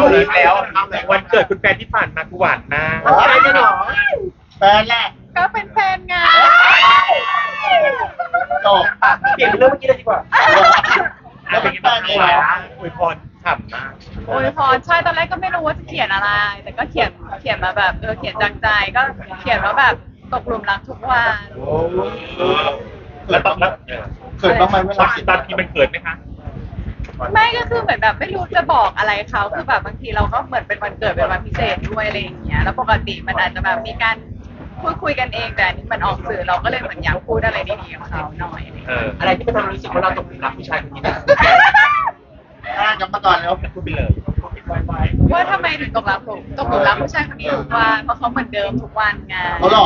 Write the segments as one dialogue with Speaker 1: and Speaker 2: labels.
Speaker 1: เลยแล้ววันเกิดคุณแฟนที่ผ่านมากูหวานมาก
Speaker 2: อะไรกันหรอ
Speaker 3: แฟนแหละ
Speaker 4: ก็เป็นแฟนไง
Speaker 3: จบ
Speaker 2: เปลี่ยนเป็นเรื่องเมื่อกี้เลยดีกว่า
Speaker 3: แล้วเป็นแฟนเลยเหรอ
Speaker 1: อวยพรฉ่ำมาก
Speaker 4: โอ้ยพรใช่ตอนแรกก็ไม่รู้ว่าจะเขียนอะไร แต่ก็เขียนมาแบบเขียนจากใจก็เขียนว่าแบบตกหลุมรักทุกวัน
Speaker 3: โอ้ย
Speaker 1: แล้วตอนนั้น
Speaker 3: เขินบ้างไหมเว
Speaker 1: ตอ
Speaker 3: ลาน
Speaker 1: ตอนที่มันเกิดไหมคะ
Speaker 4: ไม่ก็คือเหมือนแบบไม่รู้จะบอกอะไรเขาคือแบบบางทีเราก็เหมือนเป็นวันเกิดเป็นวันพิเศษด้วยอะไรอย่างเงี้ยแล้วปกติมันอาจจะแบบมีการพูดคุยกันเองแต่อันนี้มันออกสื่อเราก็เลยเหมือนอยากพูดอะไรดีๆกับเขาหน่อยอะไรอย่างเงี้ย
Speaker 2: อะไรที่มันทำให้รู้สึกว่าเราตกหลุมรักผู้ชายคนนี้นะ
Speaker 3: กลับมาก่อนแล้ว
Speaker 1: พูดไปเลย
Speaker 4: ว่าทำไมถึงตกหลุมรักผู้ชายคนนี้ทุกวันเพราะเขาเหมือนเดิมทุกวันไง
Speaker 3: เขาหลอก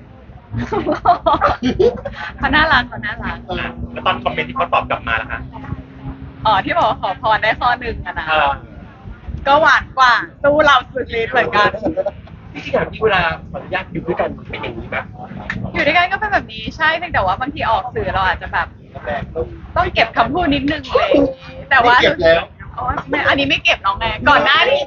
Speaker 4: เขาน่ารักเขาน่ารัก
Speaker 1: แล้วตอนคอมเมนต์ที่เขาตอบกลับมาล่ะคะ
Speaker 4: อ๋อที่บอกว่าขอพรได้ข้อหนึ่งอะนะ
Speaker 1: เออ
Speaker 4: ก็หวานกว่าสู้เราสุดฤทธิ์เหมือนกัน
Speaker 2: ที่จริงๆที่เวลาขออนุญาตอยู่ด้วยกันเป็นอย่างนี้ไหม
Speaker 4: อยู่ด้วยกันก็เป็นแบบนี้ใช่เพียงแต่ว่าบางทีออกสื่อเราอาจจะแบบต้องเก็บคำพูดนิดนึงเลยแต่ว่า
Speaker 3: เก็บแล้ว
Speaker 4: อ๋อไม่อันนี้ไม่เก็บน้องไงก่อนหน้านี้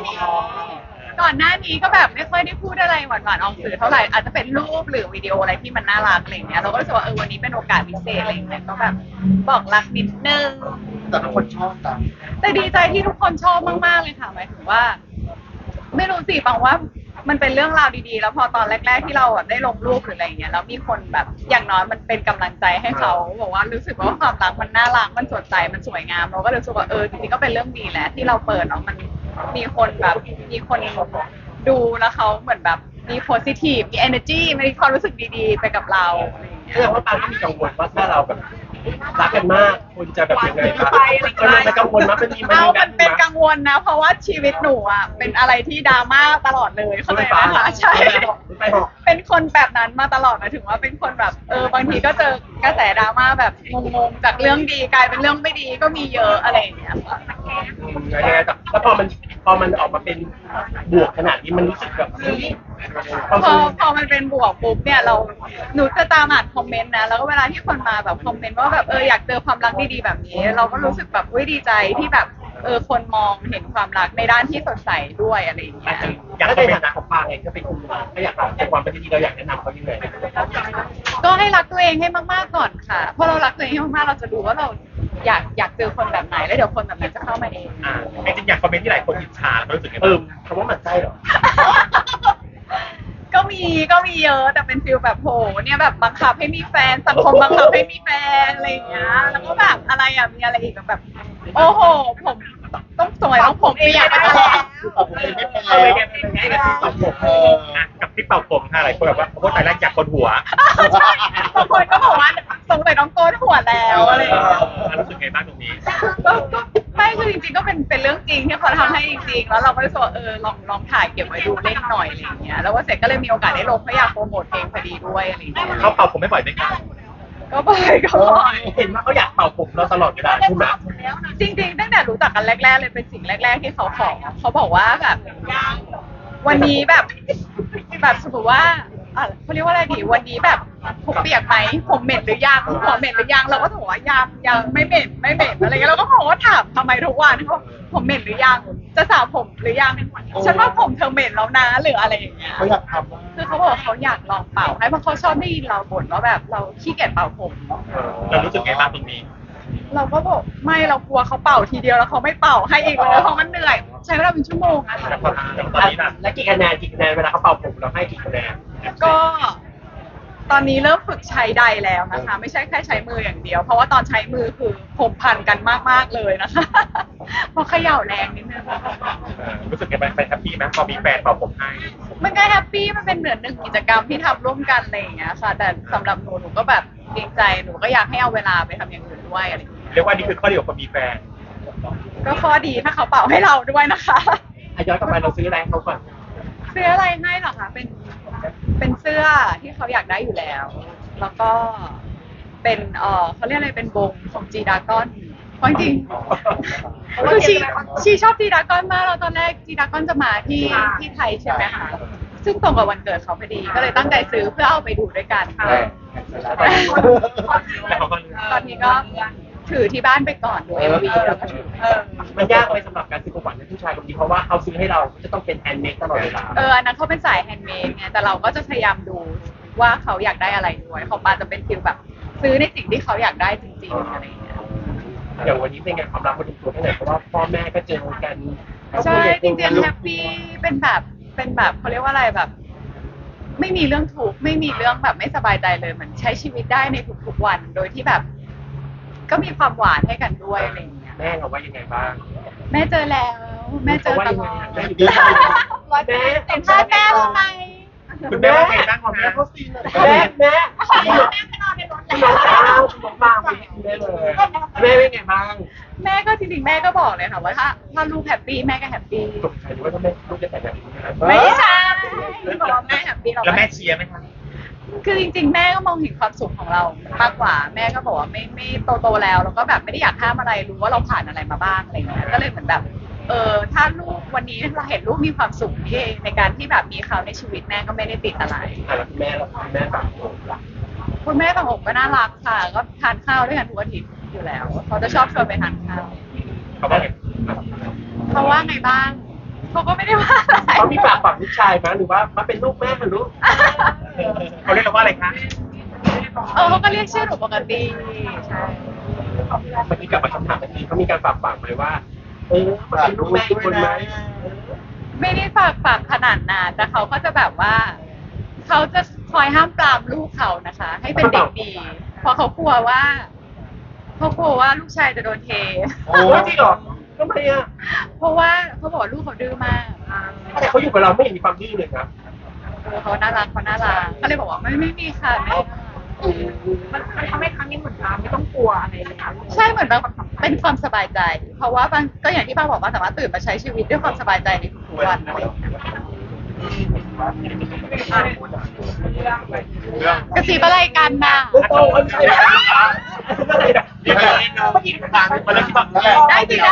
Speaker 4: ก็แบบไม่ค่อยได้พูดอะไรหวานๆออกสื่อเท่าไหร่อาจจะเป็นรูปหรือวิดีโออะไรที่มันน่ารักอะไรอย่างเงี้ยเราก็รู้สึกว่าวันนี้เป็นโอกาสพิเศษอะไรอย่างเงี้ยก็แบบบอกรักนิดนึง
Speaker 3: แต่ทุกคนชอบตาม
Speaker 4: แต่ดีใจที่ทุกคนชอบมากๆเลยค่ะหมายถึงว่า ไม่รู้สิบางว่ามันเป็นเรื่องราวดีๆ แล้วพอตอนแรกๆที่เราแบบได้ลงรูปหรืออะไรอย่างเงี้ยแล้วมีคนแบบอย่างน้อยมันเป็นกำลังใจให้เขาบอกว่ารู้สึกว่าความรักมันน่ารักมันสดใสมันสวยงามเราก็รู้สึกว่าจริงๆก็เป็นเรื่องดีแหละที่เราเปิดแล้วมันมีคนแบบมีคนดูแล้วเขาเหมือนแบบมี positive มี energy มีความรู้สึกดีๆ ไปกับเราอะไรอย่างเงี้ย
Speaker 2: แสดงว่าปาก็มีกังวลว่าถ้าเราแบบรักกันมากคุณจะแบบยังไงบ้างมันกังวลมั้ยมันมี
Speaker 4: มันเป็นกังวลนะ เพราะว่าชีวิตหนูอ่ะเป็นอะไรที่ดราม่าตลอดเลยเข้าใจไหมคะใช่
Speaker 2: ไปหอก
Speaker 4: เป็นคนแบบนั้นมาตลอดหมายถึงว่าเป็นคนแบบบางทีก็เจอกระแสดราม่าแบบงงๆจากเรื่องดีกลายเป็นเรื่องไม่ดีก็มีเยอะอะไรอย่างเงี้ยค่ะ
Speaker 2: ยังไงแต่แล้วพอมันออกมาเป็นบวกขนาดนี้มันรู้สึกแบบความ
Speaker 4: พอมันเป็นบวกปุ๊บเนี่ยหนูจะตามอ่านคอมเมนต์นะแล้วก็เวลาที่คนมาแบบคอมเมนต์ว่าแบบอยากเจอความรักดีๆแบบนี้ เราก็รู้สึกแบบดีใจที่แบบคนมองเห็นความรักในด้านที่สดใสด้วยอะไรอย่างเงี้ย
Speaker 2: อยากในฐานะของปาเองก็เป็นคุณถ้าอยากในความเป็นที่เราอยากแนะนำเขายังไง
Speaker 4: ก็ให้รักตัวเองให้มากๆก่อนค่ะเพราะเรารักตัวเองให้มากๆเราจะรู้ว่าเราอยากเจอคนแบบไหนแล้วเดี๋ยวคนแบบนั้นจะเข้ามาเอง
Speaker 1: จริงๆอย่างคอมเมนต์ที่หลายคนอิจฉาเขารู้สึกไง
Speaker 2: คำว่าหมั่นไส้เหรอ
Speaker 4: ก็มีเยอะแต่เป็นฟิลแบบโหเนี่ยแบบบังคับให้มีแฟนสังคมบังคับให้มีแฟนอะไรอย่างเงี้ยแล้วก็แบบอะไรอ่ะมีอะไรอีกแบบโอ้โหผมต้องสวยต้องผมเปียกไปแล้ว
Speaker 3: ผมเองไม่เป็น
Speaker 2: เอา
Speaker 3: แล้
Speaker 2: ไป
Speaker 3: ว
Speaker 2: แกเป็นไงกับที่ตอบผม
Speaker 1: กับที่เป่าผมค่ะหลายคนแบบว่าโอ้แต่แรกอยากคนหัว
Speaker 4: ใช่บางคนก็บอกว่าสงสัยน้องโกนหัวแล้วอะไรอย่างเงี้ย
Speaker 1: รู้สึกไงบ้างตรงนี้
Speaker 4: ก็ไม่คือจริงๆก็เป็นเรื่องจริงที่เขาทำให้จริงๆแล้วเราก็รู้สึกว่าลองถ่ายเก็บไว้ดูเล่นหน่อยอะไรอย่างเงี้ยแล้วว่าเสร็จก็เลยมีโอกาสได้ลงเพราะอยากโปรโมทเพลงพอดีด้วยอะไรอย่างเงี้ย
Speaker 1: เขาเป่าผมไม่บ่อยไหมคะ
Speaker 4: ก็บ่อย
Speaker 2: เห็นว่าเขาอยากเป่าผมเราตลอดเวลาใช่ไหม
Speaker 4: จริงๆตั้งแต่รู้จักกันแรกๆเลยเป็นสิ่งแรก ๆที่เขาขอเขาบอกว่าแบบวันนี้แบบสมมติว่าเขาเรียกว่าอะไรดีวันนี้แบบผมเปียกไหมผมเหม็นหรือยังหัวเหม็นหรือยังเราก็บอกว่ายังไม่เหม็นอะไรเงี้ยเราก็บอกว่าถามทำไมทุกวันเขาบอกผมเหม็นหรือยังจะสระผมหรือยังฉันว่าผมเธอเหม็นแล้วนะหรืออะไรอย่างเงี้ย
Speaker 3: เขาอยากทำ
Speaker 4: คือเขาบอกว่าเขาอยากลองเป่าให้เพราะเขาชอบได้ยินเราบ่นว่าแบบเราขี้เกียจเป่าผม
Speaker 1: เรารู้สึกไงบ้างตรงนี้
Speaker 4: เราก็บอกไม่เรากลัวเขาเป่าทีเดียวแล้วเขาไม่เป่าให้อีกเลยเพราะมันเหนื่อยใช้เวลาเป็นชั่วโมงอะ
Speaker 1: แต่
Speaker 4: ค่ะ
Speaker 1: ตอนนี้นะ
Speaker 2: และกี่คะแนนเวลาเขาเป่าผมเราให้กี่คะแนน
Speaker 4: ก็ตอนนี้เริ่มฝึกใช้ใดแล้วนะคะ ไม่ใช่แค่ใช้มืออย่างเดียว เพราะว่าตอนใช้มือคือผมพันกันมากๆเลยนะคะ เพราะเขย่าแรงนิดนึง
Speaker 1: รู้สึกไงบ้างไปแฮปปี้ไหมพอมีแฟนเป่าผมให้
Speaker 4: มันก็แฮปปี้มันเป็นเหมือนหนึ่งกิจกรรมที่ทำร่วมกันอะไรอย่างเงี้ยค่ะ แต่สำหรับหนูก็แบบเกรงใจหนูก็อยากให้เอาเวลาไปทำอย่างอื่นด้วยอะไรอย่างเงี้ย
Speaker 1: เรียกว่านี่คือข้อดีของคนมีแฟน
Speaker 4: ก็ข้อดีถ้าเขาเป่าให้เราด้วยนะคะ
Speaker 2: ย้อนกลับไปเราซื้ออะไรให้เขาก่อน
Speaker 4: ซื้ออะไรให้เหรอคะเป็นเสื้อที่เขาอยากได้อยู่แล้ว แล้วก็เป็นเขาเรียกอะไรเป็นบงของจีดากอนเพราะจริงๆคือชีชอบจีดากอนมากแล้วตอนแรกจีดากอนจะมาที่ไทยใช่ไหมคะซึ่งตรงกับวันเกิดเขาพอดีก็เลยตั้งใจซื้อเพื่อเอาไปดูด้วยกัน
Speaker 1: แล้วเขาก็
Speaker 4: ตอนนี้ก็ถือที่บ้านไปก่อนดู MV แล้วก็ถือ
Speaker 2: มันยากไหมสำหรับการซื้อของขวัญให้ผู้ชายคนนี้เพราะว่าเขาซื้อให้เราจะต้องเป็นแฮนด์เมดตลอดเวลา
Speaker 4: อันนั้นเขาเป็นสายแฮนด์เมดไงแต่เราก็จะพยายามดูว่าเขาอยากได้อะไรด้วยของปาจะเป็นฟิลแบบซื้อในสิ่งที่เขาอยากได้จริงๆอะไรอย่างเงี้ย
Speaker 2: อย่างวันนี้เป็นไงความรักมาถึงตัวแค่ไหนเพราะว่าพ่อแม่ก็เจอกัน
Speaker 4: ใช่จริงๆแฮปปี้เป็นแบบเขาเรียกว่าอะไรแบบ ไม่มีเรื่องทุกข์ไม่มีเรื่องแบบไม่สบายใจเลยเหมือนใช้ชีวิตได้ในทุกๆวันโดยที่แบบ ก็มีความหวานให้กันด้วยอะไรอย่างเงี้ย
Speaker 2: แม่เราว่ายังไงบ้าง
Speaker 4: แม่เจอแล้วแม่เจอตลอด
Speaker 2: แม่อยู่ด้วยกัน
Speaker 4: แม่เห็นท่าแม่ทำไม
Speaker 1: คุณแม่ว่าไงบ้างของ
Speaker 3: แม่
Speaker 1: แม่
Speaker 3: เขาซีนเลย
Speaker 2: แม่พี่น้องเจ้าพี่น้องบ้างไปแม่เลยแม่เป็นไงบ้าง
Speaker 4: แม่ก็จริงๆแม่ก็บอกเลยค่ะว่าถ้าลูกแฮปปี้แม่ก็แฮปปี้
Speaker 2: ตกใจหรือว่าถ้าแม่ลูกจะแต่งแบบนี้นะ
Speaker 4: ไม่ใช่บอกว่าแม่แฮปปี้เรา
Speaker 1: แล้วแม่เชียร์ไหมคะ
Speaker 4: คือจริงๆ แม่ก็มองเห็นความสุขของเรามากกว่า แม่ก็บอกว่าไม่โตแล้วแล้วก็แบบไม่ได้อยากห้ามอะไรรู้ว่าเราผ่านอะไรมาบ้างอะไรเงี้ยก็เลยเหมือนแบบถ้าลูกวันนี้เราเห็นลูกมีความสุขที่ในการที่แบบมีเขาในชีวิตแม่ก็ไม่ได้ติดอะไร
Speaker 2: แล้วคุณแม่แบบโอ้ล่ะ
Speaker 4: คุณแม่บางอกก็น่ารักค่ะ ก็ทานข้าวด้วยกันทุกอาทิตย์อยู่แล้วเขาจะชอบชวนไปทานข้าว
Speaker 1: เขาว่าไง
Speaker 4: เขาว่าไงบ้างเขาก็ไม่ได้ว่าอะไร
Speaker 2: เขามีฝากฝังลูกชายไหมหรือว่ามาเป็นลูกแม่หรือลูก
Speaker 1: เขาเรียกเราว่าอะไรคะ
Speaker 4: เขาก็เรียกชื่อหนูปกติใช่
Speaker 2: เมื่อกี้กลับมาคำถามเมื่อกี้เขามีการฝากฝังไหมว่ามาเป็นลูกแม่อีกคนไหม
Speaker 4: ไม่ได้ฝากขนาดนั้นแต่เขาก็จะแบบว่าเขาจะคอยห้ามปรามลูกเขานะคะ ให้เป็นเด็กดีเพราะเขากลัวว่าลูกชายจะโดนเท
Speaker 2: โอ้จริงเหรอทำไมอ่ะ
Speaker 4: เพราะว่าเขาบอกว่าลูกเขาดื้อมาก
Speaker 2: แต่เขาอยู่กับเราไม่เห็นมีความดื้อเลยนะ
Speaker 4: เขาน่ารักก็เลยบอกว่าไม่มีค่ะแม่
Speaker 5: มันทำให้ครั้งนี้เหมือนเราไม่ต้องกลัวอะไรเลยนะ
Speaker 4: ใช่เหมือนแบบเป็นความสบายใจ เพราะว่าบางก็อย่างที่ป้าบอกว่าสามารถตื่นมาใช้ชีวิตด้วยความสบายใจในทุกๆวันอะไรอย่างเงี้ย
Speaker 1: เรื่อง
Speaker 4: กระซิบอะไรกันน่ะ
Speaker 2: โตคนใช่ไหมอะไรนะ
Speaker 1: เดี๋ยวผู้หญิงทางมาแล้วที่แบบ
Speaker 4: ได้สิได้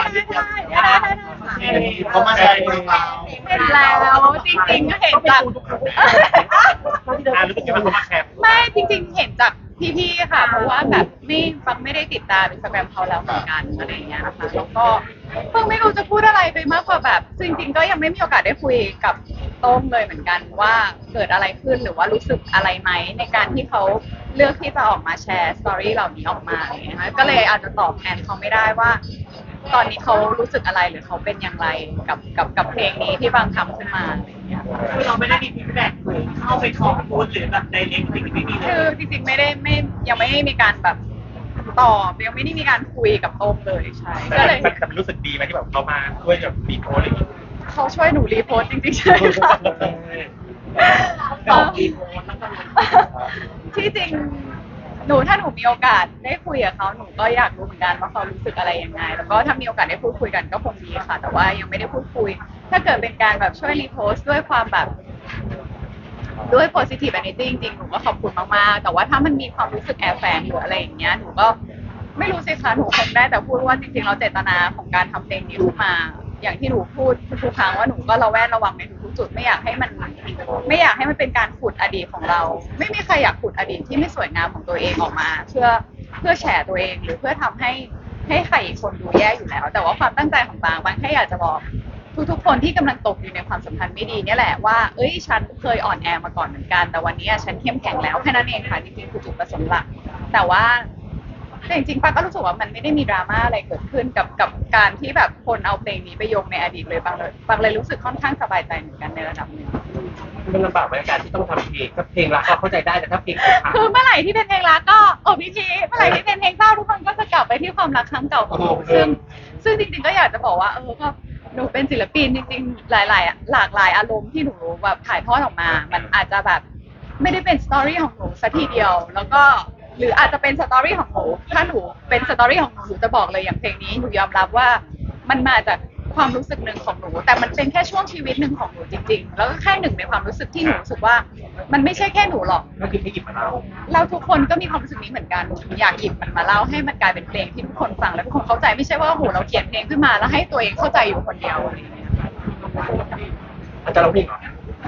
Speaker 3: เขามาแชร์ในเรา
Speaker 4: เห็นแล้วจริงๆก็เห็นจาก
Speaker 1: รู้สึกยังไงเขามาแชร์
Speaker 4: ไม่จริงๆ เห็นจากพี่ๆ ค่ะ เพราะว่าแบบฟังไม่ได้ติดตามอินสตาแกรมเขาแล้วเหมือนกันอะไรอย่างเงี้ยนะคะแล้วก็เพิ่งไม่รู้จะพูดอะไรไปมากกว่าแบบจริงๆ ก็ยังไม่มีโอกาสได้คุยกับโต้งเลยเหมือนกันว่าเกิดอะไรขึ้นหรือว่ารู้สึกอะไรไหมในการที่เขาเลือกที่จะออกมาแชร์สตอรี่เหล่านี้ออกมาอะไรอย่างเงี้ยนะคะก็เลยอาจจะตอบแทนเขาไม่ได้ว่า ตอนนี้เขารู้สึกอะไรหรือเขาเป็นอย่างไรกับเพลงนี้ที่บางทำขึ้นมาอะไรอย่างเงี้ย
Speaker 5: คือเราไม่ได้มีฟีดแบ็กเข้าไปคอมพูดหรือแบบในเล็กสิ่งที่ไม่มีเล
Speaker 4: คือย จริงๆยังไม่ได้มีการแบบตอบยังไม่ได้มีการคุยกับโต้งเลยใช่ก็เลย
Speaker 1: มันรู้สึกดีไหมที่แบบเขามาช่วยแบบรีโพสอะไรอย่างเงี้ย
Speaker 4: เขาช่วยหนูรีโพสต์จริงๆใช่ค่ะ
Speaker 5: ดอกอีโมแล้วก็
Speaker 4: ที่จริงถ้าหนูมีโอกาสได้คุยกับเขาหนูก็อยากรู้เหมือนกันว่าเขารู้สึกอะไรยังไง แล้วก็ถ้ามีโอกาสได้พูดคุยกันก็คงดีค่ะ แต่ว่ายังไม่ได้พูดคุย ถ้าเกิดเป็นการแบบช่วยรีโพสต์ด้วยความแบบด้วย positive energy จริงๆหนูก็ขอบคุณมากๆ แต่ว่าถ้ามันมีความรู้สึกแอบแฝงหรืออะไรอย่างเงี้ยหนูก็ไม่รู้สิคะหนูคงได้แต่พูดว่าจริงๆเราเจตนาของการทำเพลงนี้ขึ้นมา อย่างที่หนูพูดทุกครั้งว่าหนูก็ระแวดระวังในทุกๆจุดไม่อยากให้มันเป็นการขุดอดีตของเรา ไม่มีใครอยากขุดอดีตที่ไม่สวยงามของตัวเองออกมา เพื่อแฉตัวเองหรือเพื่อทำให้ใครอีกคนดูแย่อยู่แล้ว แต่ว่าความตั้งใจของบางแค่อยากจะบอกทุกๆคนที่กำลังตกอยู่ในความสัมพันธ์ไม่ดีเนี่ยแหละว่าเอ้ยฉันเคยอ่อนแอมาก่อนเหมือนกันแต่วันนี้ฉันเข้มแข็งแล้วแค่นั้นเองค่ะจริงๆคือจุดประสงค์หลักแต่ว่าจริงๆป้าก็รู้สึกว่ามันไม่ได้มีดราม่าอะไรเกิดขึ้นกับการที่แบบคนเอาเพลงนี้ไปโยงในอดีตเลยบางเลยรู้สึกค่อนข้างสบายใจเหมือนกันในระดับหนึ่ง
Speaker 2: มันลำบากในการที่ต้องทำเพลงถ้าเพลงรักก็เข้าใจได้แต่ถ้าเพลงอกหัก
Speaker 4: คือเมื่อไหร่ที่เป็นเพลงรักก็พี่ทีเมื่อไหร่ที่เป็นเพลงเศร้าทุกคนก็จะกลับไปที่ความรักครั้งเก่าของหนูซึ่งจริงๆก็อยากจะบอกว่าก็หนูเป็นศิลปินจริงๆหลากหลายอารมณ์ที่หนูแบบถ่ายทอดออกมา มันอาจจะแบบไม่ได้เป็นสตอรี่ของหนูซะทีเดียวแล้วก็หรืออาจจะเป็นสตอรี่ของหนูถ้าหนูเป็นสตอรี่ของหนูจะบอกเลยอย่างเพลงนี้หนูยอมรับว่ามันมาจากความรู้สึกหนึ่งของหนูแต่มันเป็นแค่ช่วงชีวิตหนึ่งของหนูจริงๆแล้วก็แค่หนึ่งในความรู้สึกที่หนูรู้สึกว่ามันไม่ใช่แค่หนูหรอก
Speaker 2: ก็คือให้หยิบมาเล่า
Speaker 4: เราทุกคนก็มีความรู้สึกนี้เหมือนกันหนูอยากหยิบมันมาเล่าให้มันกลายเป็นเพลงที่ทุกคนฟังแล้วทุกคนเข้าใจไม่ใช่ว่าโอ้โหเราเขียนเพลงขึ้นมาแล้วให้ตัวเองเข้าใจอยู่คนเดียวอะไรอย่างเงี้ย
Speaker 2: อาจารย์ร้องเพลงเหรอ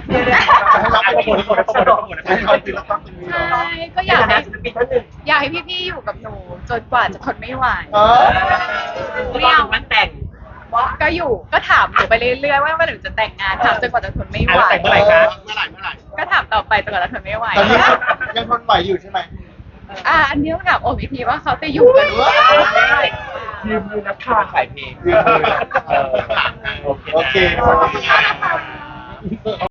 Speaker 3: ให้เราเป็นคนให้เราเป็นเราต้องเป็น
Speaker 4: ใช่ก็อยาก
Speaker 2: ในฐา
Speaker 4: ให้
Speaker 2: นะศิลปินท่านหนึ่ง
Speaker 4: อยากให้พี่ๆอยู่กับหนูจนกว่าจะทนไม่ไหว
Speaker 5: ไม่เอามันแต่ง
Speaker 4: ก็อยู่ก็ถามหนูไปเรื่อยๆว่าเมื่อไหร่หนูจะแต่งงานถามจนกว่าจะทนไม่ไหว
Speaker 1: แต่งเมื่อไหร่คะ
Speaker 3: เมื่อไหร่
Speaker 4: ก็ถามต่อไปจนกว่าจะทนไม่ไหว
Speaker 3: ตอนนี้ยังทนไหวอยู่ใช่ไหม
Speaker 4: อันนี้ต้องถามโอมอีกทีว่าเขาจะอยู่กันหรือเปล่า
Speaker 2: ยืมนักข่าวขายเพลง
Speaker 3: โอเค
Speaker 1: โอเค
Speaker 3: ขอบคุณครับ